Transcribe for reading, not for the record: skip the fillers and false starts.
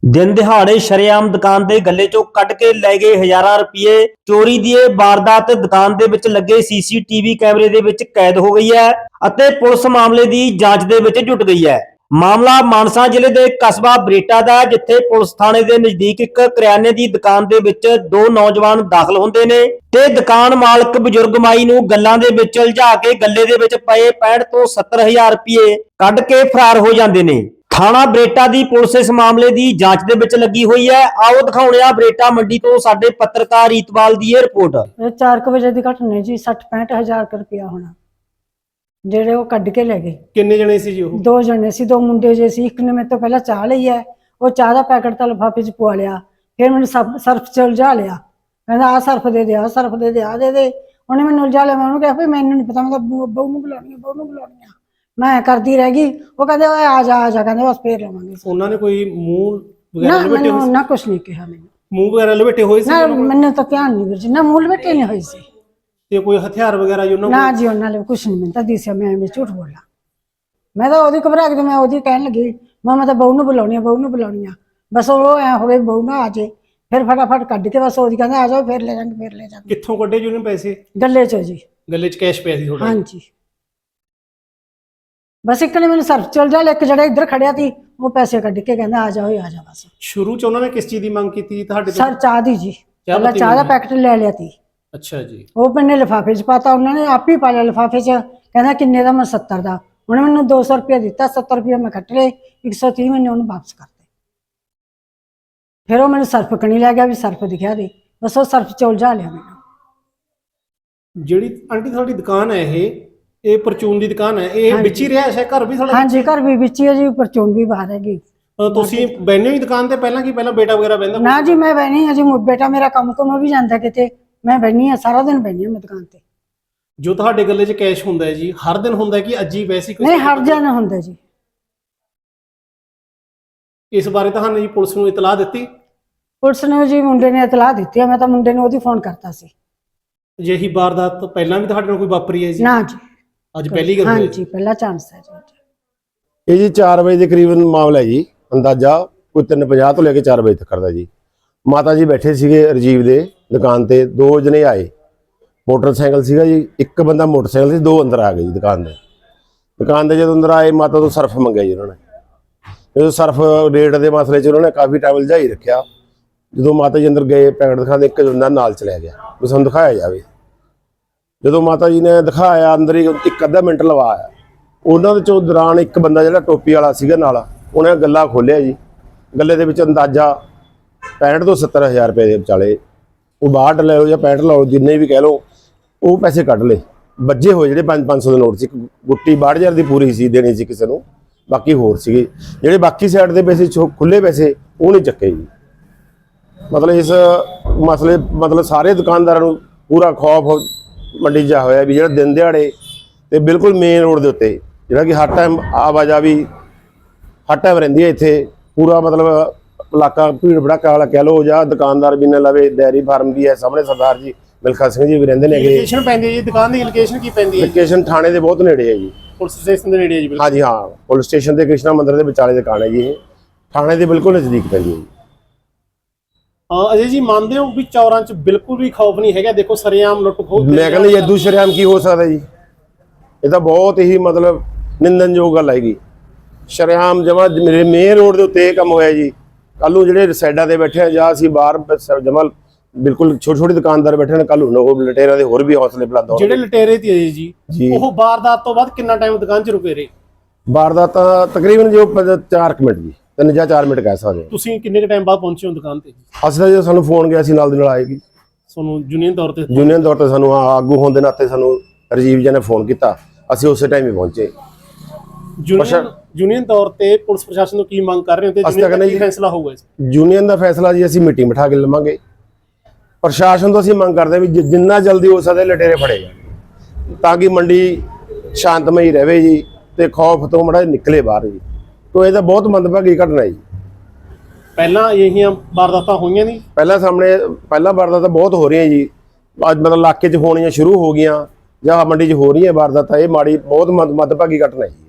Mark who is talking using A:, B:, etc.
A: दिन दिहाड़े शरेआम दुकान दे गले चों कट के लै गए हज़ारां रुपये। चोरी दी इह वारदात दुकान दे विच लगे सीसीटीवी कैमरे दे विच कैद हो गई है अते पुलिस मामले दी जांच दे विच जुट गई है। मामला मानसा जिले दे कस्बा बरेटा दा, जिथे पुलिस थाणे दे नजदीक एक करियाने दी दुकान दे विच दो नौजवान दाखल हुंदे ने ते दुकान मालक बजुर्ग माई नूं गल्लां दे विच उलझा के गल्ले दे विच पए 65 ਤੋਂ 70,000 रुपये कढ के फरार हो जांदे ने। थाना बरेटा दी पुलिस इस मामले दी जांच दे विच लगी हुई है। आओ दिखाउणे आ बरेटा मंडी तो साडे पत्रकार रीतपाल दी ये रिपोर्ट।
B: 4 बजे दी घटना जी। 60-65,000 रुपया होना ਜਿਹੜੇ ਉਹ ਕੱਢ ਕੇ ਲੈ ਗਏ।
C: ਕਿੰਨੇ ਜਣੇ ਸੀ ਜੀ ਉਹ?
B: 2 ਜਣੇ ਸੀ, 2 ਮੁੰਡੇ ਜੇ ਸੀ। ਇੱਕ ਨੇ ਮੇਰੇ ਤੋਂ ਪਹਿਲਾਂ ਚਾਹ ਲਈ ਹੈ, ਉਹ ਚਾਹ ਦਾ ਪੈਕਟ ਤਾਂ ਲਿਫਾਫੇ 'ਚ ਪਵਾ ਲਿਆ। ਫਿਰ ਮੈਨੂੰ ਸਰਫ 'ਚ ਉਲਝਾ ਲਿਆ, ਕਹਿੰਦਾ ਆਹ ਸਰਫ ਦੇ ਦੇ, ਆਹ ਸਰਫ ਦੇ ਦੇ, ਆਹ ਦੇ ਦੇ। ਉਹਨੇ ਮੈਨੂੰ ਉਲਝਾ ਲਿਆ। ਮੈਂ ਉਹਨੂੰ ਕਿਹਾ ਵੀ ਮੈਨੂੰ ਨਹੀਂ ਪਤਾ, ਮੈਂ ਤਾਂ ਬਹੂ ਨੂੰ ਬੁਲਾਉਣੀ ਆ, ਬਹੂ ਨੂੰ ਬੁਲਾਉਣੀ ਆ। ਮੈਂ ਕਰਦੀ ਰਹਿ ਗਈ। ਉਹ ਕਹਿੰਦੇ ਓਏ ਆ ਜਾ ਆ ਜਾ, ਕਹਿੰਦੇ ਬਸ ਫੇਰ ਲਵਾਂਗੇ।
C: ਉਹਨਾਂ ਨੇ ਕੋਈ ਮੂੰਹ ਵਗੈਰਾ ਲਪੇਟੇ ਹੋਏ ਸੀ?
B: ਨਾ ਕੁਛ ਨਹੀਂ ਕਿਹਾ ਮੈਨੂੰ।
C: ਮੂੰਹ ਵਗੈਰਾ ਲਪੇਟੇ ਹੋਏ ਸੀ?
B: ਮੈਨੂੰ ਤਾਂ ਧਿਆਨ ਨਹੀਂ ਵੀਰ ਜੀ, ਨਾ ਮੂੰਹ ਲਪੇਟੇ ਨਹੀਂ ਹੋਈ ਸੀ।
C: ਤੇ ਕੋਈ ਹਥਿਆਰ ਵਗੈਰਾ ਜੀ ਉਹਨਾਂ ਕੋਲ?
B: ਨਾ ਜੀ ਉਹਨਾਂ ਨੇ ਕੁਛ ਨਹੀਂ। ਮੈਨੂੰ ਤਾਂ ਦਿਸਿਆ, ਮੈਂ ਝੂਠ ਬੋਲਾਂ। ਮੈਂ ਤਾਂ ਉਹਦੀ ਘਬਰਾ ਕੇ ਮੈਂ ਉਹਦੀ ਕਹਿਣ ਲੱਗੀ, ਮੈਂ ਤਾਂ ਬਹੂ ਨੂੰ ਬੁਲਾਉਣੀ ਆ, ਬਹੂ ਨੂੰ ਬੁਲਾਉਣੀ ਆ। ਬਸ ਉਹ ਐ ਹੋਵੇ ਬਹੂ ਨਾ ਆ ਜੇ, ਫਿਰ ਫਟਾਫਟ ਕੱਢ ਕੇ ਬਸ ਉਹਦੀ ਕਹਿੰਦਾ ਆ ਜਾਓ, ਫਿਰ ਲੈ ਜਾਾਂਗੇ, ਫਿਰ ਲੈ ਜਾਾਂਗੇ।
C: ਕਿੱਥੋਂ ਕੱਢੇ ਜੀ ਉਹਨੇ ਪੈਸੇ?
B: ਗੱਲੇ ਚੋਂ ਜੀ।
C: ਗੱਲੇ 'ਚ ਕੈਸ਼ ਪਿਆ ਸੀ ਤੁਹਾਡਾ?
B: ਹਾਂਜੀ। ਬਸ ਇੱਕ ਨੇ ਮੈਨੂੰ ਸਰਫ ਚਲ ਜਾ, ਇੱਕ ਜਿਹੜਾ ਇੱਧਰ ਖੜਿਆ ਸੀ ਉਹ ਪੈਸੇ ਕੱਢ ਕੇ ਕਹਿੰਦਾ ਆ ਜਾਓ, ਆ ਜਾ। ਬਸ
C: ਸ਼ੁਰੂ 'ਚ ਉਹਨਾਂ ਨੇ ਕਿਸ ਚੀਜ਼ ਦੀ ਮੰਗ ਕੀਤੀ ਤੁਹਾਡੇ ਤੋਂ?
B: ਸਰ ਚਾਹ ਦੀ ਜੀ। ਪਹਿਲਾਂ ਚਾਹ ਦਾ ਪੈਕਟ ਲੈ ਲਿਆ ਸੀ।
C: ਅੱਛਾ ਜੀ।
B: ਉਹ ਮੈਨੇ ਲਿਫਾਫੇ 'ਚ ਪਾਤਾ, ਉਹਨਾਂ ਨੇ ਆਪ ਹੀ ਪਾ ਲਿਆ ਲਿਫਾਫੇ 'ਚ। ਕਹਿੰਦਾ ਕਿੰਨੇ ਦਾ? ਮੈਂ 70 ਦਾ। ਉਹਨੇ ਮੈਨੂੰ 200 ਰੁਪਇਆ ਦਿੱਤਾ, 70 ਰੁਪਇਆ ਮੈਂ ਕੱਟ ਲਏ, 130 ਮੈਨੇ ਉਹਨੂੰ ਵਾਪਸ ਕਰਤੇ। ਫਿਰ ਉਹ ਮੈਨੂੰ ਸਰਫ ਕਣੀ ਲੈ ਗਿਆ ਵੀ ਸਰਫ ਦਿਖਿਆ ਦੇ, ਬਸ ਉਹ ਸਰਫ 'ਚ ਉਲਝਾ ਲਿਆ ਮੈਨੂੰ।
C: ਜਿਹੜੀ ਆਂਟੀ ਤੁਹਾਡੀ ਦੁਕਾਨ ਹੈ ਇਹ ਪਰਚੂਨ ਦੀ ਦੁਕਾਨ ਹੈ, ਇਹ ਵਿੱਚ ਹੀ ਰਿਹਾ ਹੈ ਘਰ ਵੀ ਤੁਹਾਡਾ?
B: ਹਾਂਜੀ, ਘਰ ਵੀ ਵਿੱਚ ਹੀ ਹੈ ਜੀ, ਪਰਚੂਨ ਵੀ ਬਾਹਰ ਹੈਗੀ।
C: ਤੁਸੀਂ ਬੈਠੇ ਹੀ ਦੁਕਾਨ ਤੇ ਪਹਿਲਾਂ ਕੀ ਪਹਿਲਾਂ ਬੇਟਾ ਵਗੈਰਾ ਬੈਠਦਾ?
B: ਨਾ ਜੀ, ਮੈਂ ਬੈਣੀ ਹਾਂ ਜੀ। ਬੇਟਾ ਮੇਰਾ ਕੰਮ ਤੋਂ ਵੀ ਜਾਂਦਾ ਕਿਤੇ, ਮੈਂ ਬੈਣੀ ਹਾਂ ਸਾਰਾ ਦਿਨ, ਬੈਣੀ ਹਾਂ ਮੈਂ ਦੁਕਾਨ ਤੇ।
C: ਜੋ ਤੁਹਾਡੇ ਗੱਲੇ 'ਚ ਕੈਸ਼ ਹੁੰਦਾ ਹੈ ਜੀ, ਹਰ ਦਿਨ ਹੁੰਦਾ ਕਿ ਅੱਜ ਹੀ ਵੈਸੇ ਕੋਈ?
B: ਨਹੀਂ, ਹਰ ਦਿਨ ਹੁੰਦਾ ਜੀ।
C: ਇਸ ਬਾਰੇ ਤੁਹਾਨੂੰ ਜੀ ਪੁਲਿਸ ਨੂੰ ਇਤਲਾਹ ਦਿੱਤੀ?
B: ਪੁਲਿਸ ਨੇ ਜੀ ਮੁੰਡੇ ਨੇ ਇਤਲਾਹ ਦਿੱਤੀ ਹੈ, ਮੈਂ ਤਾਂ ਮੁੰਡੇ ਨੂੰ ਉਹਦੀ ਫੋਨ ਕਰਤਾ ਸੀ।
C: ਅਜਿਹੀ ਵਾਰਦਾਤ ਪਹਿਲਾਂ ਵੀ ਤੁਹਾਡੇ ਨਾਲ ਕੋਈ ਵਾਪਰੀ ਹੈ ਜੀ?
B: ਨਾ ਜੀ,
C: ਅੱਜ ਪਹਿਲੀ ਗੱਲ ਹੋਈ?
B: ਹਾਂਜੀ, ਪਹਿਲਾ ਚਾਂਸ ਹੈ ਜੀ।
D: ਇਹ ਜੀ 4 ਵਜੇ ਦੇ ਕਰੀਬਨ ਮਾਮਲਾ ਹੈ ਜੀ। ਅੰਦਾਜ਼ਾ ਕੋਈ 3:50 ਤੋਂ ਲੈ ਕੇ 4 ਵਜੇ ਤੱਕ ਕਰਦਾ ਜੀ। ਮਾਤਾ ਜੀ ਬੈਠੇ ਸੀਗੇ ਰਜੀਵ ਦੇ ਦੁਕਾਨ ਤੇ, 2 ਜਣੇ ਆਏ, ਮੋਟਰਸਾਈਕਲ ਸੀਗਾ ਜੀ, ਇੱਕ ਬੰਦਾ ਮੋਟਰਸਾਈਕਲ ਸੀ, 2 ਅੰਦਰ ਆ ਗਏ ਜੀ ਦੁਕਾਨ ਦੇ। ਜਦੋਂ ਅੰਦਰ ਆਏ, ਮਾਤਾ ਤੋਂ ਸਰਫ ਮੰਗਿਆ ਜੀ ਉਹਨਾਂ ਨੇ। ਜਦੋਂ ਸਰਫ ਰੇਟ ਦੇ ਮਸਲੇ 'ਚ ਉਹਨਾਂ ਨੇ ਕਾਫੀ ਟਾਈਮ ਉਲਝਾਈ ਰੱਖਿਆ। ਜਦੋਂ ਮਾਤਾ ਜੀ ਅੰਦਰ ਗਏ, ਪੈਕਟ ਦਿਖਾਉਂਦੇ, ਇੱਕ ਬੰਦਾ ਨਾਲ ਚਲਿਆ ਗਿਆ ਵੀ ਸਾਨੂੰ ਦਿਖਾਇਆ ਜਾਵੇ। ਜਦੋਂ ਮਾਤਾ ਜੀ ਨੇ ਦਿਖਾਇਆ, ਅੰਦਰ ਹੀ 1 ਮਿੰਟ ਲਵਾਇਆ। ਉਹਨਾਂ ਦੇ ਚੋਂ ਦੌਰਾਨ ਇੱਕ ਬੰਦਾ ਜਿਹੜਾ ਟੋਪੀ ਵਾਲਾ ਸੀਗਾ ਨਾਲ, ਉਹਨੇ ਗੱਲਾ ਖੋਲਿਆ ਜੀ। ਗੱਲੇ ਦੇ ਵਿੱਚ ਅੰਦਾਜ਼ਾ 65 ਤੋਂ 70,000 ਰੁਪਏ ਦੇ ਵਿਚਾਲੇ, ਉਹ 62 ਲੈ ਲਓ ਜਾਂ 65 ਲਓ, ਜਿੰਨੇ ਵੀ ਕਹਿ ਲਓ, ਉਹ ਪੈਸੇ ਕੱਢ ਲਏ। ਵੱਜੇ ਹੋਏ ਜਿਹੜੇ 500 ਦੇ ਨੋਟ ਸੀ, ਗੁੱਟੀ 62,000 ਦੀ ਪੂਰੀ ਸੀ, ਦੇਣੀ ਸੀ ਕਿਸੇ ਨੂੰ, ਬਾਕੀ ਹੋਰ ਸੀਗੇ। ਜਿਹੜੇ ਬਾਕੀ ਸਾਈਡ ਦੇ ਪੈਸੇ ਖੁੱਲੇ ਪੈਸੇ ਉਹ ਨਹੀਂ ਚੱਕੇ ਜੀ। ਮਤਲਬ ਇਸ ਮਸਲੇ ਸਾਰੇ ਦੁਕਾਨਦਾਰਾਂ ਨੂੰ ਪੂਰਾ ਖੌਫ ਮੰਡੀ 'ਚ ਹੋਇਆ ਵੀ ਜਿਹੜਾ ਦਿਨ ਦਿਹਾੜੇ ਤੇ ਬਿਲਕੁਲ ਮੇਨ ਰੋਡ ਦੇ ਉੱਤੇ, ਜਿਹੜਾ ਕਿ ਹਰ ਟਾਈਮ ਆਵਾਜਾਈ ਹਰ ਟਾਈਮ ਰਹਿੰਦੀ ਹੈ ਇੱਥੇ, ਪੂਰਾ ਮਤਲਬ ਇਲਾਕਾ ਭੀੜ ਭੜਾਕਾ ਵਾਲਾ ਕਹਿ ਲਓ, ਜਾਂ ਦੁਕਾਨਦਾਰ ਵੀ ਨੇ ਲਵੇ, ਡੈਰੀ ਫਾਰਮ ਵੀ ਹੈ ਸਾਹਮਣੇ, ਸਰਦਾਰ ਜੀ ਮਿਲਖਾ ਸਿੰਘ ਜੀ ਵੀ ਰਹਿੰਦੇ ਨੇ।
C: ਲੋਕੇਸ਼ਨ ਪੈਂਦੀ ਹੈ ਜੀ ਦੁਕਾਨ ਦੀ? ਲੋਕੇਸ਼ਨ ਕੀ ਪੈਂਦੀ ਹੈ?
D: ਲੋਕੇਸ਼ਨ ਥਾਣੇ ਦੇ ਬਹੁਤ ਨੇੜੇ ਹੈ ਜੀ,
C: ਪੁਲਿਸ ਸਟੇਸ਼ਨ ਦੇ ਨੇੜੇ ਹੈ ਜੀ?
D: ਹਾਂਜੀ ਹਾਂ, ਪੁਲਿਸ ਸਟੇਸ਼ਨ ਤੇ ਕ੍ਰਿਸ਼ਨਾ ਮੰਦਿਰ ਦੇ ਵਿਚਾਲੇ ਦੁਕਾਨ ਹੈ ਜੀ। ਇਹ ਥਾਣੇ ਦੇ ਬਿਲਕੁਲ ਨਜ਼ਦੀਕ ਪੈਂਦੀ ਹੈ ਜੀ।
C: ਅਜੇ ਜੀ ਮੰਨਦੇ ਹੋ ਵੀ ਚੌਰਾਂ 'ਚ ਬਿਲਕੁਲ ਵੀ ਖੌਫ ਨਹੀਂ ਹੈਗਾ? ਦੇਖੋ ਸਰੇਆਮ ਲੁੱਟ ਖੋਹ।
D: ਮੈਂ ਕਹਿੰਦਾ ਏਦੂ ਸ਼ਰੇਆਮ ਕੀ ਹੋ ਸਕਦਾ ਜੀ? ਇਹ ਤਾਂ ਬਹੁਤ ਹੀ ਮਤਲਬ ਨਿੰਦਨਯੋਗ ਗੱਲ ਹੈਗੀ। ਸ਼ਰੇਆਮ ਜਮਾ ਮੇਰੇ ਮੇਨ ਰੋਡ ਦੇ ਉੱਤੇ ਇਹ ਕੰਮ ਹੋਇਆ ਜੀ। ਕੱਲ ਨੂੰ ਜਿਹੜੇ ਸਾਈਡਾਂ ਤੇ ਬੈਠੇ ਆ, ਜਾਂ ਅਸੀਂ ਬਾਹਰ ਜਮਾ ਬਿਲਕੁਲ ਛੋਟੀ ਦੁਕਾਨਦਾਰ ਬੈਠੇ ਨੇ, ਕੱਲ ਨੂੰ ਉਹ ਲਟੇਰਾਂ ਦੇ ਹੋਰ ਵੀ ਹੌਸਲੇ ਬੁਲੰਦ ਹੋਣਗੇ।
C: ਜਿਹੜੇ ਲਟੇਰੇ ਤੇ ਜੀ ਉਹ ਵਾਰਦਾਤ ਤੋਂ ਬਾਅਦ ਕਿੰਨਾ ਟਾਈਮ ਦੁਕਾਨ 'ਚ ਰੁਕੇ ਰਹੇ?
D: ਵਾਰਦਾਤ ਤਾਂ ਤਕਰੀਬਨ ਜੋ 4 ਮਿੰਟ ਜੀ, 3 ਜਾਂ 4 ਮਿੰਟ ਕਹਿ ਸਕਦੇ।
C: ਤੁਸੀਂ ਕਿੰਨੇ ਟਾਈਮ ਬਾਅਦ ਪਹੁੰਚੇ ਹੋ ਦੁਕਾਨ ਤੇ?
D: ਅਸੀਂ ਤਾਂ ਜਦੋਂ ਸਾਨੂੰ ਫੋਨ ਗਿਆ ਸੀ ਨਾਲ ਦੀ ਨਾਲ ਆਏਗੀ।
C: ਤੁਹਾਨੂੰ ਯੂਨੀਅਨ ਤੌਰ ਤੇ
D: ਸਾਨੂੰ ਆਗੂ ਹੋਣ ਦੇ ਨਾਤੇ ਸਾਨੂੰ ਰਜੀਵ ਜੀ ਨੇ ਫੋਨ ਕੀਤਾ, ਅਸੀਂ ਉਸੇ ਟਾਈਮ ਹੀ ਪਹੁੰਚੇ।
C: ਯੂਨੀਅਨ ਤੌਰ ਤੇ ਪੁਲਿਸ ਪ੍ਰਸ਼ਾਸਨ ਤੋਂ ਕੀ ਮੰਗ ਕਰ ਰਹੇ ਹੋ ਤੇ ਕੀ ਫੈਸਲਾ ਹੋਊਗਾ?
D: ਯੂਨੀਅਨ ਦਾ ਫੈਸਲਾ ਜੀ ਅਸੀਂ ਮੀਟਿੰਗ ਬਿਠਾ ਕੇ ਲਵਾਂਗੇ। ਪ੍ਰਸ਼ਾਸਨ ਤੋਂ ਅਸੀਂ ਮੰਗ ਕਰਦੇ ਵੀ ਜਿੰਨਾ ਜਲਦੀ ਹੋ ਸਕਦਾ ਲਟੇਰੇ ਫੜੇ ਜਾਣ, ਤਾਂ ਕਿ ਮੰਡੀ ਸ਼ਾਂਤਮਈ ਰਹੇ ਜੀ ਤੇ ਖੌਫ ਤੋਂ ਮੜਾ ਨਿਕਲੇ ਬਾਹਰ ਜੀ। ਤੋ ਇਹ ਤਾਂ ਬਹੁਤ ਮੰਦਭਾਗੀ ਘਟਨਾ ਜੀ।
C: ਪਹਿਲਾਂ ਇਹੀਆਂ ਵਾਰਦਾਤਾਂ ਹੋਈਆਂ ਨਹੀਂ?
D: ਪਹਿਲਾਂ ਵਾਰਦਾਤਾਂ ਬਹੁਤ ਹੋ ਰਹੀਆਂ ਜੀ। ਅੱਜ ਮਤਲਬ ਇਲਾਕੇ 'ਚ ਹੋਣੀਆਂ ਸ਼ੁਰੂ ਹੋ ਗਈਆਂ ਜਾਂ ਮੰਡੀ 'ਚ ਹੋ ਰਹੀਆਂ ਵਾਰਦਾਤਾਂ। ਇਹ ਮਾੜੀ ਬਹੁਤ ਮੰਦਭਾਗੀ ਘਟਨਾ ਹੈ ਜੀ।